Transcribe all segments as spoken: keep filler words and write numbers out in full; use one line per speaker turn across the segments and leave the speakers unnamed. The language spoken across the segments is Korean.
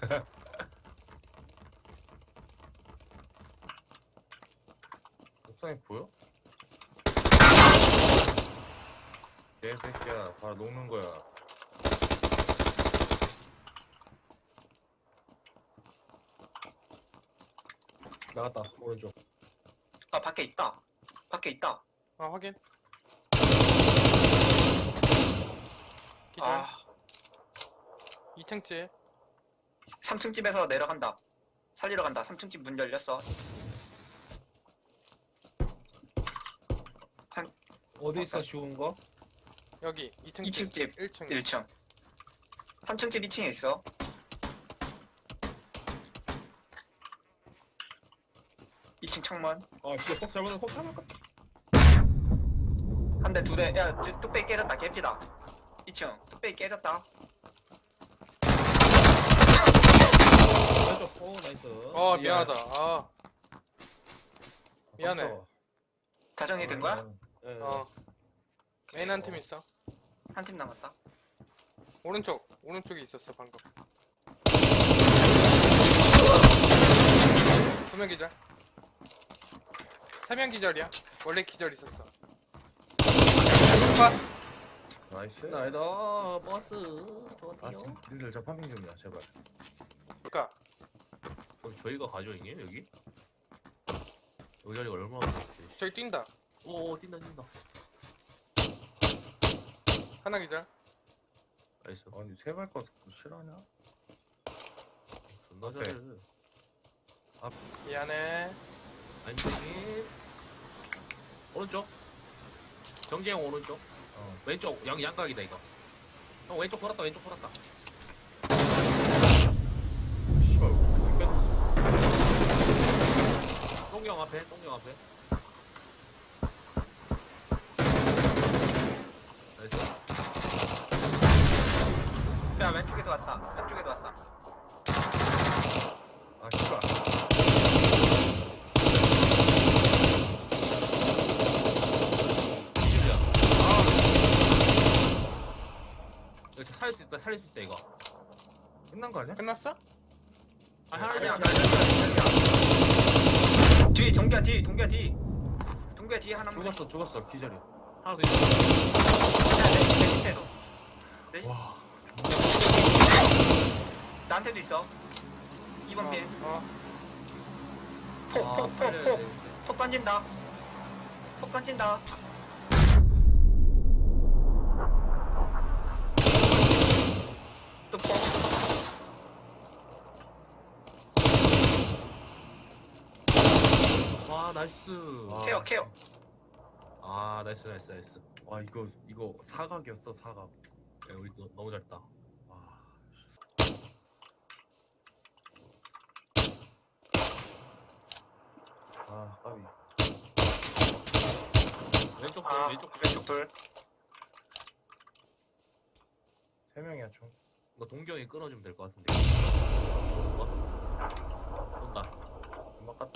옥상에 보여? 개새끼야, 바로 녹는 거야.
나갔다 오른쪽.
아 밖에 있다. 밖에 있다.
아 확인. 기절.
아
이 층 집.
삼 층 집에서 내려간다. 살리러 간다. 삼 층 집 문 열렸어.
어디 있어 죽은 거?
여기 이 층
이 층 집
일 층.
일 층. 삼 층 집 이 층에 있어. 이 층 창문.
아 진짜 폭 잘못은 폭 잘못.
한 대 두 대. 야 저, 뚝배기 깨졌다. 개피다. 이 층 뚝배기 깨졌다.
왼쪽. 오 나이스.
어 미안하다. 아 미안해.
깜짝아.
다 정리된 거야?
예.
어 메인 한 팀 있어.
한 팀 남았다.
오른쪽 오른쪽에 있었어 방금. 두 명 기절. 세 명 기절이야. 원래 기절 있었어.
나이스.
나이다 버스.
아, 진- 님들 저 파밍 좀이야, 제발.
그니까
그럼 저희가 가져오게 여기? 여기 자리가 얼마나 좋지?
저기 뛴다.
오 뛴다 뛴다.
하나 기절.
나이스.
아니, 세발거 싫어하냐?
존나
오케이.
잘해.
미안해.
안쪽이 오른쪽. 정재형 오른쪽.
어.
왼쪽 양 양각이다 이거. 형 왼쪽 돌았다 왼쪽 돌았다.
씨발, 이거
똥경 앞에 똥경 앞에. 나이스.
야 왼쪽에도 왔다. 왼쪽에도 왔다.
아, 씨발.
이길이야. 이거 살릴 수 있다 살릴 수 있다 이거.
끝난 거 아니야?
끝났어?
아
아니야
하나야.
아니야 아니야. 뒤 동기야 뒤 동기야 뒤. 동기야 뒤에 하나만.
죽었어, 죽었어, 기절이.
하나 더 있어.
내 밑에도. 내
와.
나한테도 있어. 이 번 핀.
어.
아,
폭폭폭폭
살려야
폭.
돼.
폭 던진다. 폭 던진다. 또 폭.
와 나이스.
와.
케어 케어.
아 나이스 나이스 나이스.
와, 이거, 이거 사각이었어, 사각.
야, 우리 너, 너무 잘했다.
와. 아, 까비.
왼쪽 돌
아
왼쪽 돌.
왼쪽 돌.
세 명이야, 총.
이거 동경이 끊어주면 될 것 같은데. 어? 온다.
금방 갔다.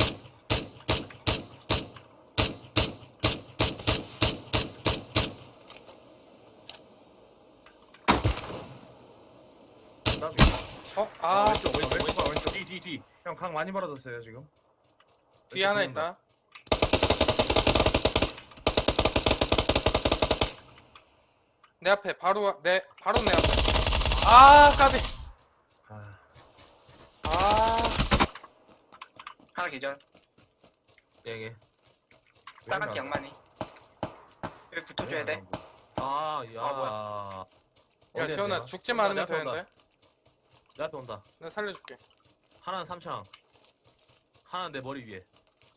까비.
어?
아,
아
왼쪽
아,
왼쪽
왼쪽,
왼쪽.
왼쪽. 뒤, 뒤, 뒤. 형, 강 많이 벌어졌어요, 지금.
뒤에 하나
왼쪽
있다. 내 앞에 바로 내 바로 내 앞에. 아 까비.
아,
아
하나 기절.
예.
빨갛게 양만이. 여기 붙어줘야 돼.
아, 야.
아, 뭐야.
야
어디야,
지원아
내가?
죽지만 않으면
내 앞에 온다.
되는데.
내 앞에 온다.
내가 살려줄게.
하나는 삼창. 하나는 내 머리 위에.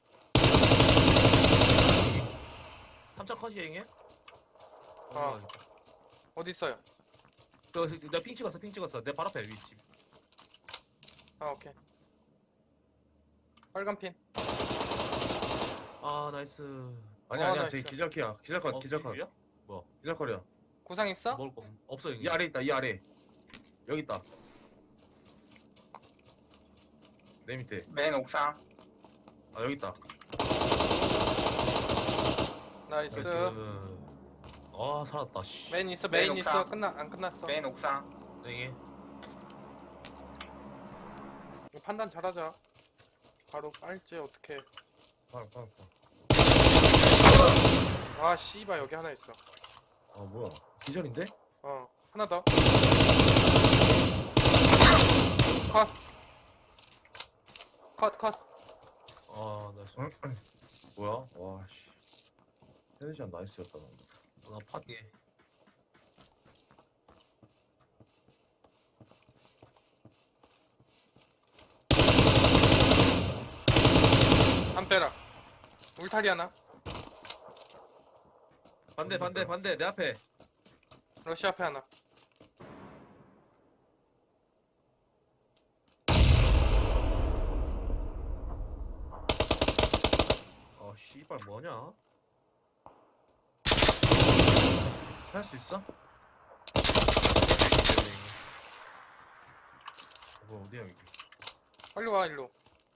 삼창 컷이 행해?
어. 어디 있어요?
저, 저, 내가 핑 찍었어, 핑 찍었어. 내 발 앞에 위 집.
아 오케이. 빨간 핀.
아, 나이스.
아니,
어,
아니야.
나이스.
저기 기절키야. 기절컷,
어,
기절컷.
기절이야? 뭐,
기절컷이야.
구상 있어?
먹을 거 없어, 여기.
이 아래 있다, 이 아래. 여기 있다. 내 밑에.
맨 옥상.
아, 여기 있다.
나이스.
아, 살았다, 씨.
메인 있어
메인
메인 있어.
옥상.
끝나 안 끝났어.
맨 옥상.
네.
이거 판단 잘하자. 바로 빨지 어떻게?
바로 바로 바로.
아 씨발 여기 하나 있어.
아 뭐야? 기절인데?
어 하나 더. 컷. 컷 컷.
아나
응? 뭐야? 와 씨. 헤드샷 나이스였다. 나.
나 파게.
한 빼라. 울타리 하나.
반대 반대 반대 내 앞에.
러시 앞에 하나.
아 씨발 뭐냐? 할 수 있어? 뭐 어디야 여기?
빨리 와 일로.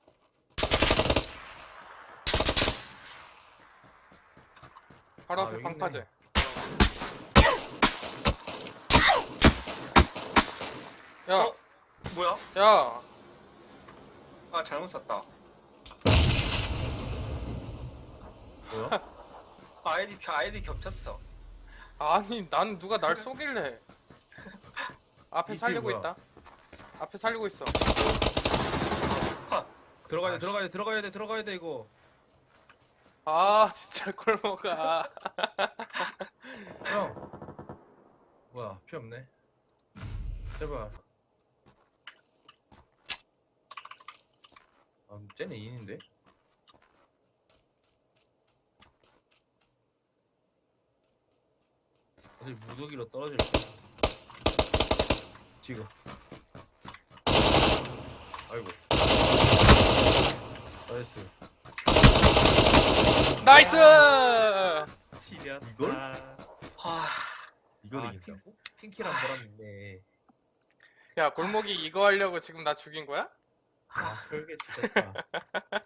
바로
아,
앞에
여기
방파제.
있네.
야,
어? 뭐야?
야,
아 잘못 샀다.
뭐야?
아이디 아이디 겹쳤어.
아니 난 누가 날 쏘길래? 앞에
이게
살리고
뭐야?
있다. 앞에 살리고 있어.
들어가야 돼
아,
들어가야 돼 들어가야 돼 들어가야 돼 이거.
아 진짜 꼴먹아.
형. 뭐야 피 없네. 제발. 아 쟤네 인인데? 어디 무더기로 떨어질 거야. 지금. 아이고. 나이스.
나이스.
지렸다.
이걸?
아,
이걸
아,
이긴다고?
핑키랑 보람 있네.
야 골목이 이거 하려고 지금 나 죽인 거야?
아 설계 지렸다.